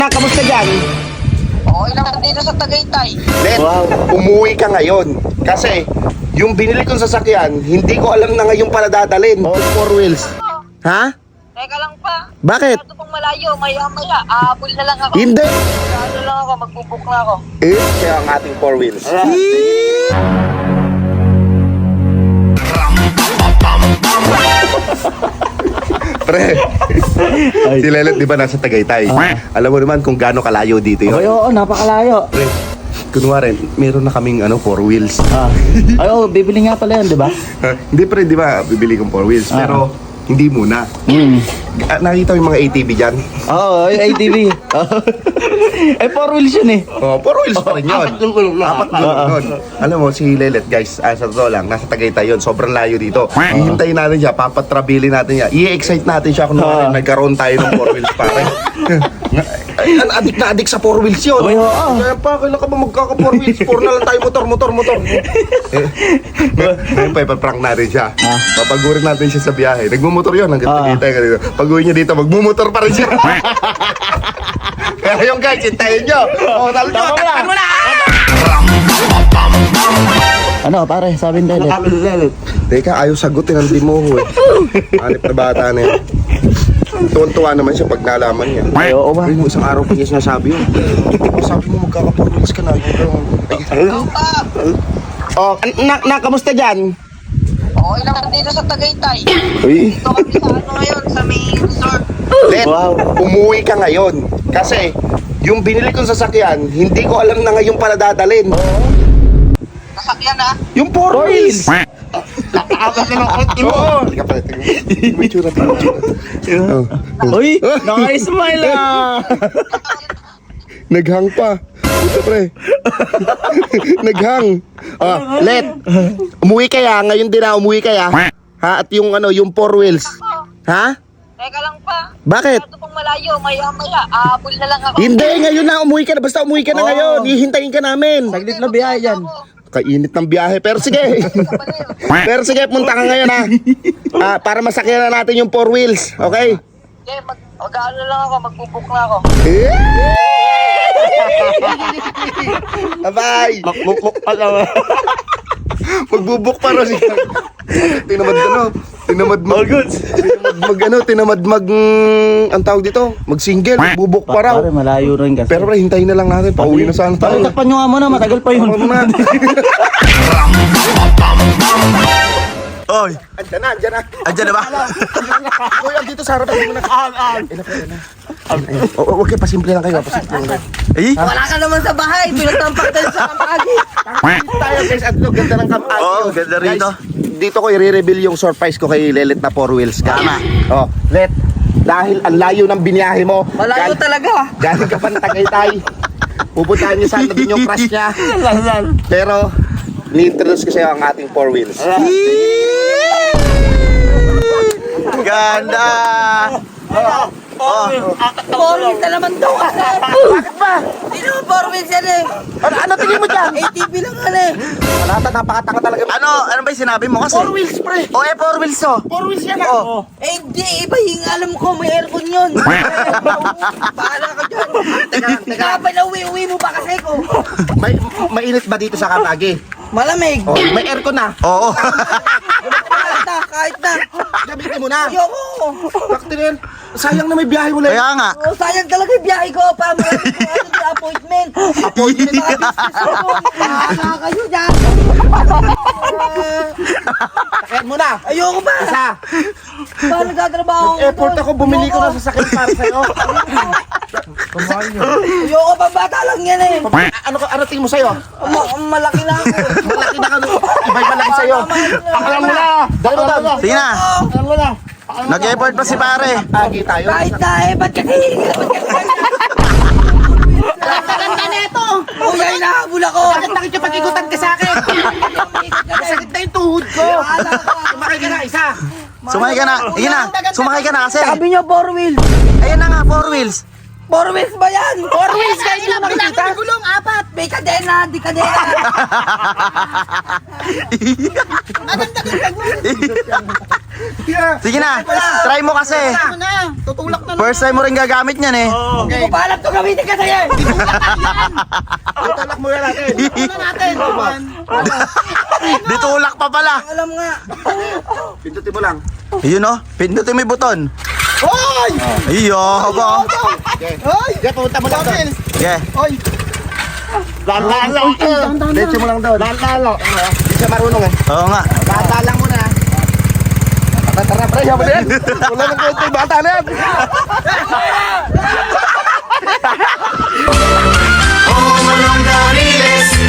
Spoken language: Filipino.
Kamusta dyan? Okay naman dito sa Tagaytay. Len, umuwi ka ngayon. Kasi, yung binili kong sasakyan, hindi ko alam na ngayon pala dadalhin. All four wheels. Ha? Teka lang pa. Bakit? Ito pang malayo, maya-maya. Aabol na lang ako. Hindi. Ano lang ako, magbubuk na ako. Kaya ang ating four wheels. Pre, si Lelet di ba nasa Tagaytay? Alam mo naman kung gaano kalayo dito yun. Ay, oo, napakalayo. Pre, kunwari, meron na kaming four wheels. Ay, oo, bibili nga pala yan, di ba? Hindi pre, di ba, bibili kong four wheels. Pero, hindi muna. Nakita mo yung mga ATV dyan? Oo, ay, ATV. Eh, 4 wheels yun eh. Oh, four wheels pa rin yun. Apat gulong nun. Alam mo, si Lelet, guys, sa totoo lang, nasa Tagaytay yun. Sobrang layo dito. Hihintayin natin siya, papatrabilin natin siya. I-excite natin siya kung nagkaroon tayo ng four wheels pare. Adik na adik sa four wheels yun. Ay, oo. Kaya pa, kailan ka ba magkaka-four wheels? Four na lang tayo, motor. Ngayon pa, ipaprank natin siya. Papagurin natin siya sa biyahe. Nagmumotor yun, hanggang Tagaytay ka dito. Pag-uwi niya dito, magmumotor pa rin siya. Kaya yung guys, hintayin nyo. O, talo nyo, takpan mo na! Ano, pare, sabi ni Lelet. Teka, ayaw sagutin ang dimuho eh. Hanip na bata na yun. Tuwan-tuwa naman siya pag nalaman niya. Ay, oo ba? Ay, mo isang araw pa niya sinasabi yun. Sabi mo magkaka-4 ka na. Oo pa. Oh, kamusta dyan? Okay naman dito sa Tagaytay. Uy. Ito kami sa ano ngayon, sa may resort. Len, umuwi ka ngayon. Kasi, yung binili kong sasakyan, hindi ko alam na ngayon pala dadalhin. Nasakyan na. Yung four wheels. Nakaagas na ng auto mo. Halika pala, tingnan mo. May tsura. Uy, naka-smile ah. Naghang pa. Puta pre. Naghang. Let. Umuwi kaya? Ngayon din na umuwi kaya? Ha? At yung yung four wheels. Ha? Teka lang pa. Bakit? Ito pang malayo, maya-maya. Aabol na lang ako. Hindi, ngayon na umuwi ka na. Basta umuwi ka na ngayon. Hihintayin ka namin. Saglit na biyahe yan. Kainit ng biyahe. Pero sige. Pero sige, punta ka ngayon ha. Para masakyan na natin yung four wheels. Okay? Okay, mag-ano lang ako, magbubuk na ako. Bye. Magbubuk pa rin siya. Tinamad ka no. Tinamad mag ang tawag dito, mag-single, magbubuk pa raw. Pare, malayo rin kasi. Pero pre, hintayin na lang natin, pauwi na sana Pare, tayo. takpan nyo nga muna, matagal pa yun. Oy, andyan na ba? Kuya, dito sa harap mo na. Huwag kayo, pasimple lang kayo, Wala ka naman sa bahay, pinagtampak tayo sa kampagi. Tayo guys, at ganda ng kampanya. Oo, ganda rito. Guys, dito ko i-reveal yung surprise ko kay Lelet na four wheels. Tama. Oh, Let, dahil ang layo ng biniyahe mo. Malayo talaga. Galing ka pa ng Tagaytay. Pupuntahan niyo sana din yung crush niya. Pero, ni-introduce ko sa'yo ang ating four wheels. Ganda! Four wheels na naman daw ka. Bakit ba? Hindi naman four wheels yan eh. Ano tingin mo dyan? ATV lang yan eh. Wala, napakatanga talaga. Ano ba yung sinabi mo kasi? Four wheels, pre! O, 4 wheels to. Four wheels yan Eh di, iba yung alam ko, may aircon yun. Bahala ka dyan. Teka, uwi mo ba kasi ko? Mainit ba dito sa Kamagi? Malamig. Oh, may aircon na. Oo. Kahit na. Gamitin mo na. Ayoko. Bakit din? Sayang na may biyahe mo lang. Kaya nga. Oh, sayang talaga yung biyahe ko. Para maraming ko ano yung appointment. Appointment mga business ko. Bahala kayo dyan. Sakyan mo na. Ayoko ba? Isa. Paano gatrabaho ko Effort ako, bumili ko na sa sakyan para sa'yo. Ayoko pa, bata lang yan eh. Ano tingin mo sa'yo? Malaki na ako. Malaki na ka. Iba'y malaki sa'yo. Alam mo na. Dali mo na. Sige na. Alam mo na. Nag-effort pa si pare. Agi tayo. Kahit na eh, ba't kasi? Ganda na ito. Kuya, hinahabol ako. Bakit nakikipag-igutan ka sa akin? Masakit na yung tuhod ko. Sumakay ka na, isa. Sumakay ka na. Sige na. Sumakay ka na kasi. Sabi niyo, four wheels. Ayan na nga, 4 wheels. 4 wheels ba yan? 4 wheels kayo Ilang nakikita? may gulong? 4. May kadena, di kadena. Maganda ka Sige na, try mo kasi. Ano na? Tutulak na First time mo rin gagamit niyan eh. Hindi ko pa alam ito gamitin ka sa'yo. Tutulak mo yan natin. Ano natin? Ditulak pa pala. Alam nga. Pindutin mo lang. Yun oh, pindutin mo yung buton. Hoy! Iyo, ba? Hoy! Sige, pumunta mo lang doon. Yeah. Hoy! Lalo. Diretso mo lang doon. Lalo. Hindi siya marunong eh. Oo nga. Bata lang muna. Tara, pre, yaman yan. Wala nang kwento yung bata na yan. Oh, Malong Dariles,